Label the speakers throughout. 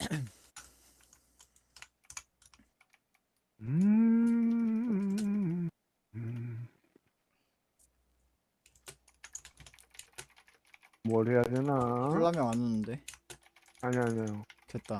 Speaker 1: 음, 음. 뭘 해야 되나?
Speaker 2: 콜라명 안 오는데.
Speaker 1: 아니요.
Speaker 2: 됐다.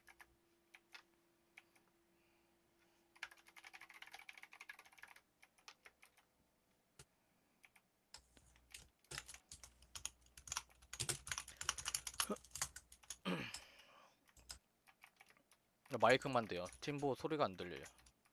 Speaker 3: 마이크만 돼요. 팀보 소리가 안 들려요.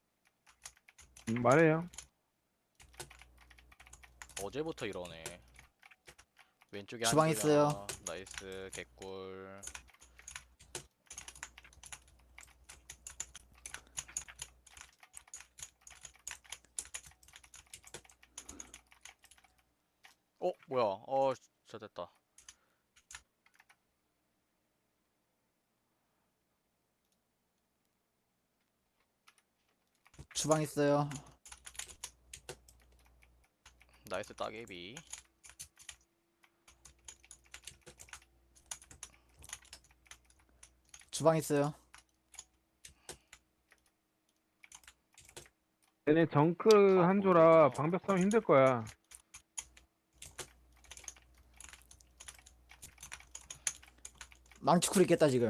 Speaker 1: 말해요.
Speaker 3: 어제부터 이러네. 왼쪽에 한
Speaker 2: 주방 있어요.
Speaker 3: 줄이야. 나이스 개꿀. 뭐야? 진짜 됐다.
Speaker 2: 주방 있어요.
Speaker 3: 나이스 따개비.
Speaker 2: 주방 있어요.
Speaker 1: 얘네 정크
Speaker 3: 다
Speaker 1: 한조라
Speaker 3: 보이구나.
Speaker 1: 방벽 싸움 힘들 거야.
Speaker 2: 망치쿨 있겠다 지금.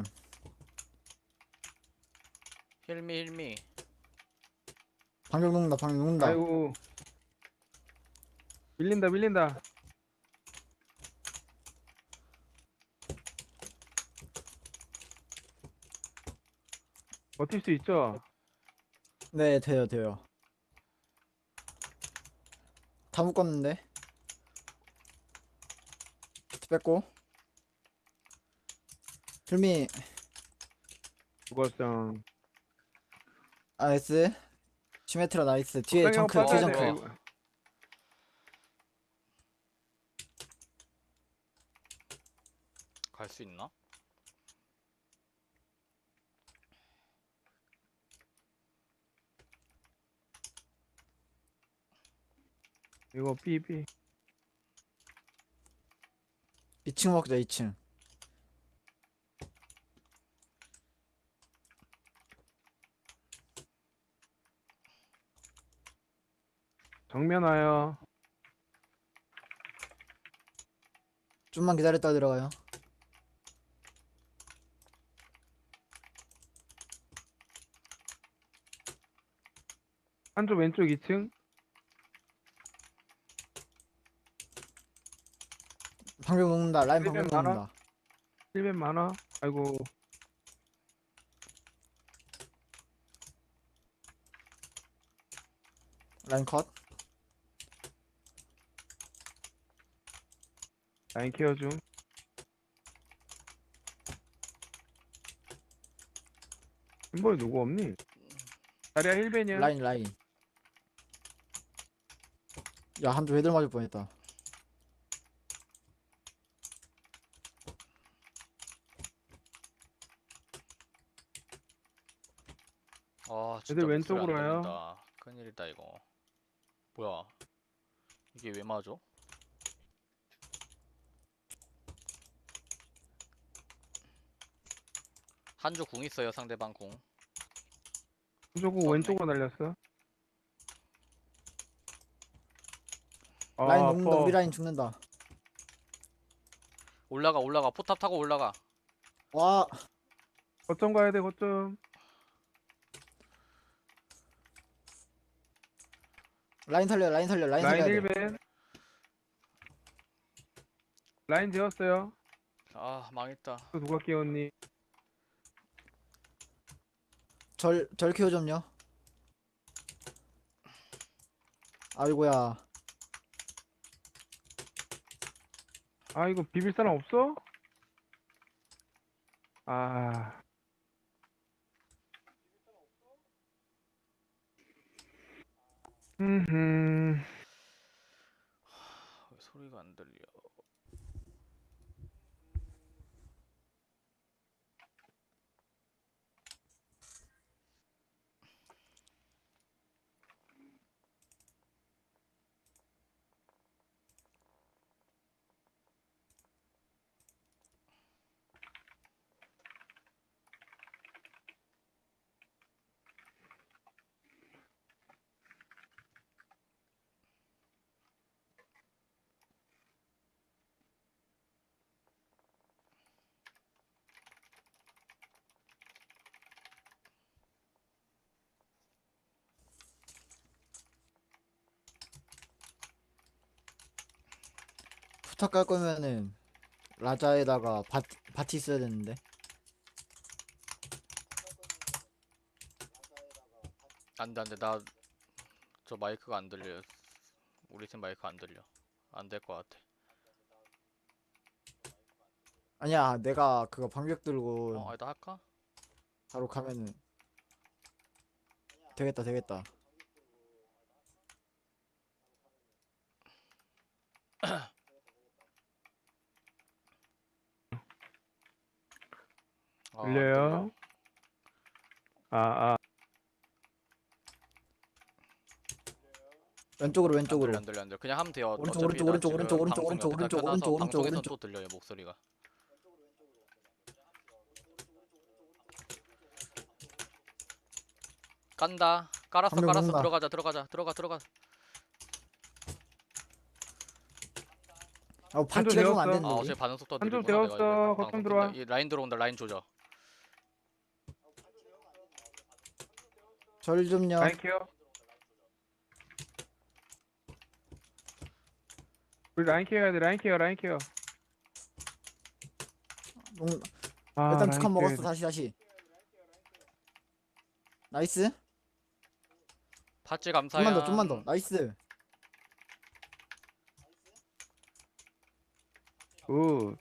Speaker 3: 힐미.
Speaker 2: 방벽 녹는다. 방벽 녹는다.
Speaker 1: 아이고, 밀린다. 버틸 수 있죠?
Speaker 2: 네, 돼요. 다 묶었는데. 비트 뺐고. 필미
Speaker 1: 그거성.
Speaker 2: 나이스. 시메트라 나이스. 뒤에
Speaker 1: 형
Speaker 2: 정크. 뒤에
Speaker 1: 빠져야 돼.
Speaker 2: 정크.
Speaker 1: 아이고.
Speaker 3: 갈 수 있나?
Speaker 1: 이거 삐.
Speaker 2: 2층 먹자 2층.
Speaker 1: 정면 와요.
Speaker 2: 좀만 기다렸다 들어가요.
Speaker 1: 한조 왼쪽 2층.
Speaker 2: 방벽 녹는다. 라인 방벽
Speaker 1: 힐벤 많아?
Speaker 2: 녹는다.
Speaker 1: 힐벤 많아? 아이고,
Speaker 2: 라인 컷.
Speaker 1: 라인 케어 중. 흰볼 누구 없니? 자리야 힐벤이야.
Speaker 2: 라인. 야, 한조 헤드 맞을 뻔했다.
Speaker 3: 진짜
Speaker 1: 애들
Speaker 3: 목소리 안
Speaker 1: 왼쪽으로 와요.
Speaker 3: 들린다. 큰일이다 이거. 뭐야? 이게 왜 맞아? 한조 궁 있어요. 상대방 궁.
Speaker 1: 한조고
Speaker 3: 썼네.
Speaker 1: 왼쪽으로 날렸어.
Speaker 2: 라인
Speaker 1: 아,
Speaker 2: 녹는다. 우리
Speaker 1: 아파.
Speaker 2: 라인 죽는다.
Speaker 3: 올라가. 포탑 타고 올라가.
Speaker 2: 와,
Speaker 1: 거점 가야 돼, 거점.
Speaker 2: 라인 살려. 라인
Speaker 1: 라인
Speaker 2: 살려야 돼.
Speaker 1: 1벤. 라인 되었어요.
Speaker 3: 망했다.
Speaker 1: 또 누가 깨웠니?
Speaker 2: 절 키워 좀요. 아이고야.
Speaker 1: 아, 이거 비빌 사람 없어? 아, 흠.
Speaker 3: 왜 소리가 안 들려?
Speaker 2: 포탑 깔 거면은 라자에다가 바티 있어야 되는데.
Speaker 3: 안돼 안돼 나 저 마이크가 안 들려. 우리 팀 마이크 안 들려. 안 될 것 같아.
Speaker 2: 아니야, 내가 그거 방벽 들고
Speaker 3: 아니다 할까?
Speaker 2: 바로 가면은 되겠다, 되겠다.
Speaker 3: 안
Speaker 1: 들려요? 아,
Speaker 2: 왼쪽으로,
Speaker 3: 안
Speaker 2: 왼쪽으로.
Speaker 3: 들려 안 들려 안 들려. 그냥 하면 돼요.
Speaker 2: 오른쪽,
Speaker 3: 어차피
Speaker 2: 오른쪽,
Speaker 3: 나
Speaker 2: 오른쪽,
Speaker 3: 지금
Speaker 2: 오른쪽,
Speaker 3: 방송
Speaker 2: 오른쪽,
Speaker 3: 옆에다
Speaker 2: 오른쪽,
Speaker 3: 켜놔서
Speaker 2: 오른쪽, 오른쪽,
Speaker 3: 방송에선
Speaker 2: 오른쪽.
Speaker 3: 또 들려요 목소리가. 깐다. 깔았어
Speaker 2: 방금
Speaker 3: 깔았어.
Speaker 2: 온다.
Speaker 3: 들어가자 들어가자 들어가.
Speaker 2: 바티가 죽으면 안
Speaker 1: 되었어.
Speaker 2: 되는데. 우리.
Speaker 3: 어차피 반응 속도
Speaker 1: 한점
Speaker 3: 느리구나. 내가
Speaker 1: 되었어.
Speaker 3: 이거
Speaker 1: 거점
Speaker 3: 방송
Speaker 1: 들어와.
Speaker 3: 이 라인 들어온다. 라인 조져.
Speaker 2: 절 좀요.
Speaker 1: 라인 케어. 우리 라인 케어 해야 돼. 라인 케어, 라인 케어.
Speaker 2: 롱-
Speaker 1: 아,
Speaker 2: 일단
Speaker 1: 라인
Speaker 2: 두 칸
Speaker 1: 케어 해야
Speaker 2: 먹었어.
Speaker 1: 돼.
Speaker 2: 다시. 나이스.
Speaker 3: 파츠 감사야.
Speaker 2: 좀만 더, 좀만 더. 나이스.
Speaker 1: 굿.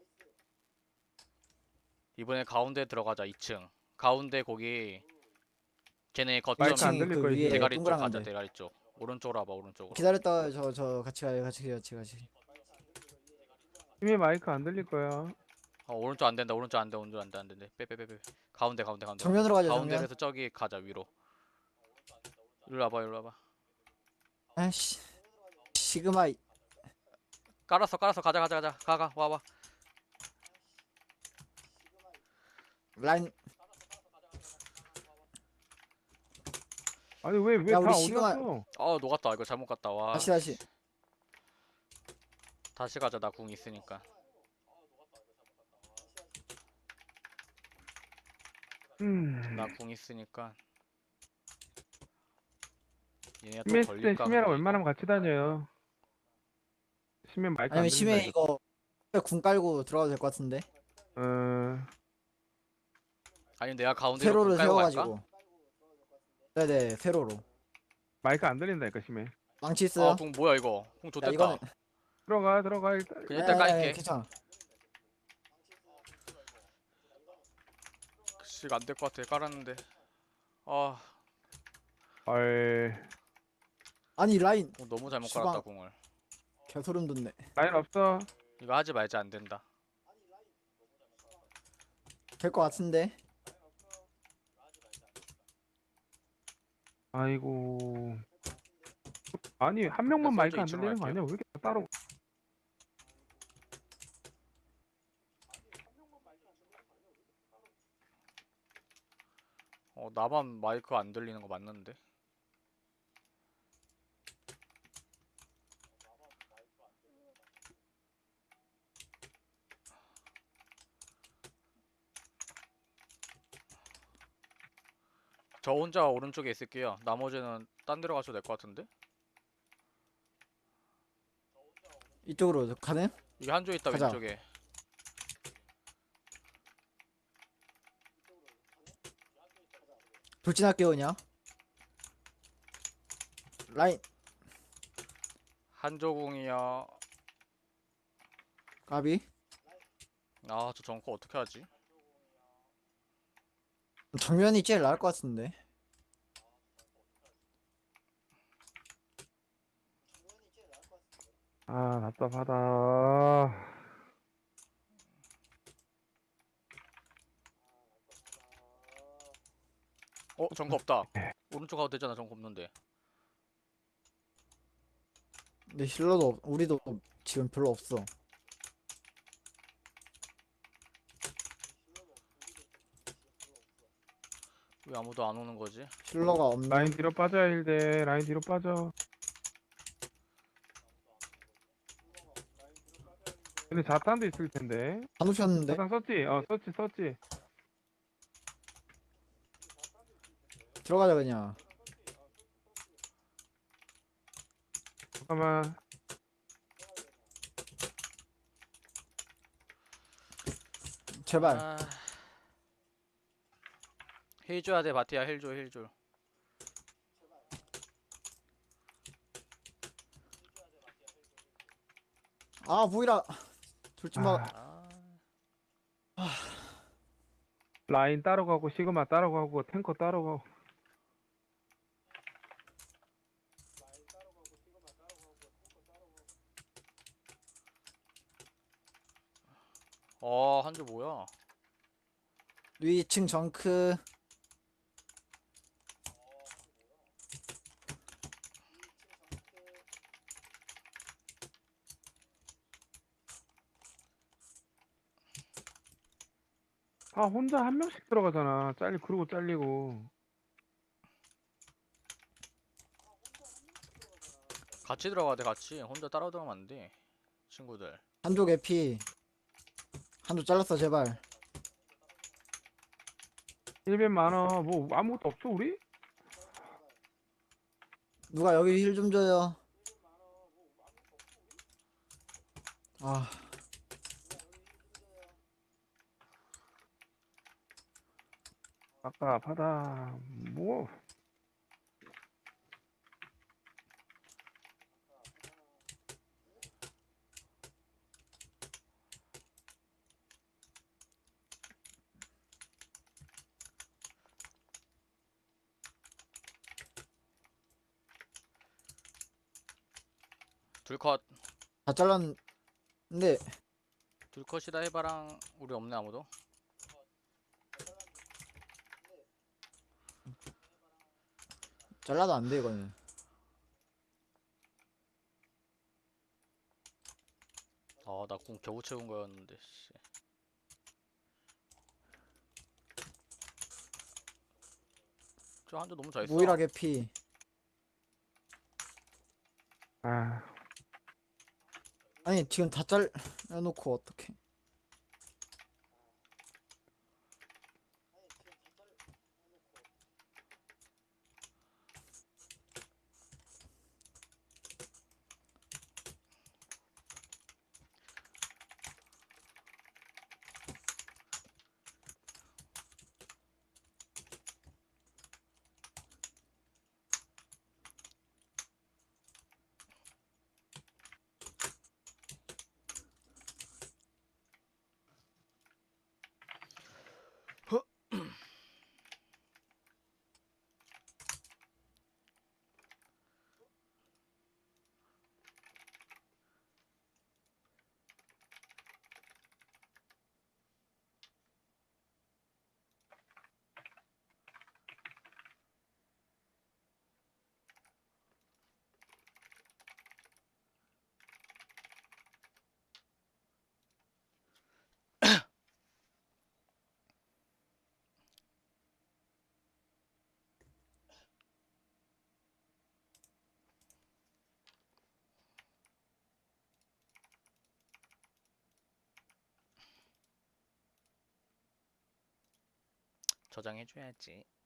Speaker 3: 이번에 가운데 들어가자. 2층. 가운데 거기 걔네 거점
Speaker 1: 마이크 안
Speaker 2: 이층이
Speaker 1: 들릴
Speaker 2: 그
Speaker 1: 거야,
Speaker 2: 위에
Speaker 3: 대가리 쪽 가자.
Speaker 2: 동그란데.
Speaker 3: 대가리 쪽. 오른쪽으로 와봐. 오른쪽으로.
Speaker 2: 기다렸다. 저 같이 가요. 같이.
Speaker 1: 팀의 마이크 안 들릴 거야.
Speaker 3: 오른쪽 안 된다. 오른쪽 안 돼. 오른쪽 안 돼. 안 돼. 빼. 가운데.
Speaker 2: 정면으로 가자. 정면.
Speaker 3: 가운데에서 저기 가자. 위로. 일로 와봐.
Speaker 2: 아씨. 시그마.
Speaker 3: 깔았어. 가자. 가. 와봐.
Speaker 2: 라인.
Speaker 1: 아니, 왜
Speaker 2: 야,
Speaker 1: 다
Speaker 2: 우리
Speaker 1: 어디
Speaker 2: 시그마-
Speaker 1: 갔어?
Speaker 3: 녹았다. 이거 잘못 갔다. 와.
Speaker 2: 다시.
Speaker 3: 다시 가자. 나 궁 있으니까. 나 궁 있으니까. 얘네가 또
Speaker 1: 심해 때
Speaker 3: 걸릴까?
Speaker 1: 심해랑
Speaker 3: 근데
Speaker 1: 웬만하면 같이 다녀요. 심해 마이크 안
Speaker 2: 아니면
Speaker 1: 들린다.
Speaker 2: 심해 이거 궁 깔고 들어가도 될 것 같은데.
Speaker 1: 어,
Speaker 3: 아니 내가 가운데로
Speaker 2: 세로를
Speaker 3: 궁 깔고 갈까?
Speaker 2: 세워가지고. 네네 세로로.
Speaker 1: 마이크 안 들린다니까 심해.
Speaker 2: 망치 있어요.
Speaker 3: 궁 뭐야 이거? 궁
Speaker 2: 야,
Speaker 3: 좋댔다.
Speaker 2: 이거는
Speaker 1: 들어가 일단.
Speaker 3: 그냥 일단 깔게.
Speaker 2: 괜찮아.
Speaker 3: 씨, 안 될 것 같아. 깔았는데. 아,
Speaker 1: 헐.
Speaker 2: 아니 라인
Speaker 3: 궁 너무 잘못
Speaker 2: 주방.
Speaker 3: 깔았다 궁을.
Speaker 2: 개소름 돋네.
Speaker 1: 라인 없어.
Speaker 3: 이거 하지 말자. 안 된다.
Speaker 2: 될 것 같은데.
Speaker 1: 아이고. 아니 한 명만
Speaker 3: 됐어,
Speaker 1: 마이크
Speaker 3: 저
Speaker 1: 안
Speaker 3: 이쪽으로
Speaker 1: 들리는 거
Speaker 3: 갈게요.
Speaker 1: 아니야? 왜 이렇게 따로?
Speaker 3: 나만 마이크 안 들리는 거 맞는데? 저 혼자 오른쪽에 있을게요. 나머지는 딴 데로 가셔도 될 것 같은데?
Speaker 2: 이쪽으로 가는?
Speaker 3: 이게 한조 있다
Speaker 2: 가자.
Speaker 3: 왼쪽에.
Speaker 2: 돌진할게요 그냥. 라인
Speaker 3: 한조궁이요.
Speaker 2: 가비.
Speaker 3: 아, 저 정커 어떻게 하지?
Speaker 2: 정면이 제일 나을 것 같은데.
Speaker 1: 아 답답하다.
Speaker 3: 정커 없다. 오른쪽 가도 되잖아. 정커 없는데.
Speaker 2: 근데 힐러도 우리도 지금 별로 없어.
Speaker 3: 왜 아무도 안 오는 거지?
Speaker 2: 힐러가 없네.
Speaker 1: 라인 뒤로 빠져야 힐대. 라인 뒤로 빠져. 근데 자탄도 있을 텐데.
Speaker 2: 안 오셨는데.
Speaker 1: 자탄 썼지? 썼지.
Speaker 2: 들어가자 그냥.
Speaker 1: 잠깐만.
Speaker 2: 제발.
Speaker 3: 아... 힐 줘야 돼 바티야 힐 줘 힐줘.
Speaker 2: 아 보이라. 돌진마.
Speaker 1: 아,
Speaker 3: 아...
Speaker 1: 라인 따로 가고 시그마 따로 가고 탱커 따로 가고.
Speaker 3: 한조 뭐야?
Speaker 2: 위층 정크.
Speaker 1: 아, 혼자 한 명씩 들어가잖아. 그러고 잘리고.
Speaker 3: 같이 들어가야 돼 같이. 혼자 따라 들어가면 안 돼. 친구들.
Speaker 2: 한쪽 에피. 한쪽 잘랐어 제발.
Speaker 1: 1벤 많아. 뭐 아무것도 없어 우리?
Speaker 2: 누가 여기 힐 좀 줘요. 아
Speaker 1: 아깝하다. 뭐
Speaker 3: 둘컷.
Speaker 2: 다 잘랐는데
Speaker 3: 둘컷이다 해바랑. 우리 없네 아무도.
Speaker 2: 잘라도 안 돼 이거는.
Speaker 3: 나 궁 겨우 채운 거였는데 씨. 저 한조 너무 잘했어.
Speaker 2: 모이라 개피.
Speaker 1: 아,
Speaker 2: 아니 지금 다 잘라놓고 어떡해.
Speaker 3: 저장해줘야지.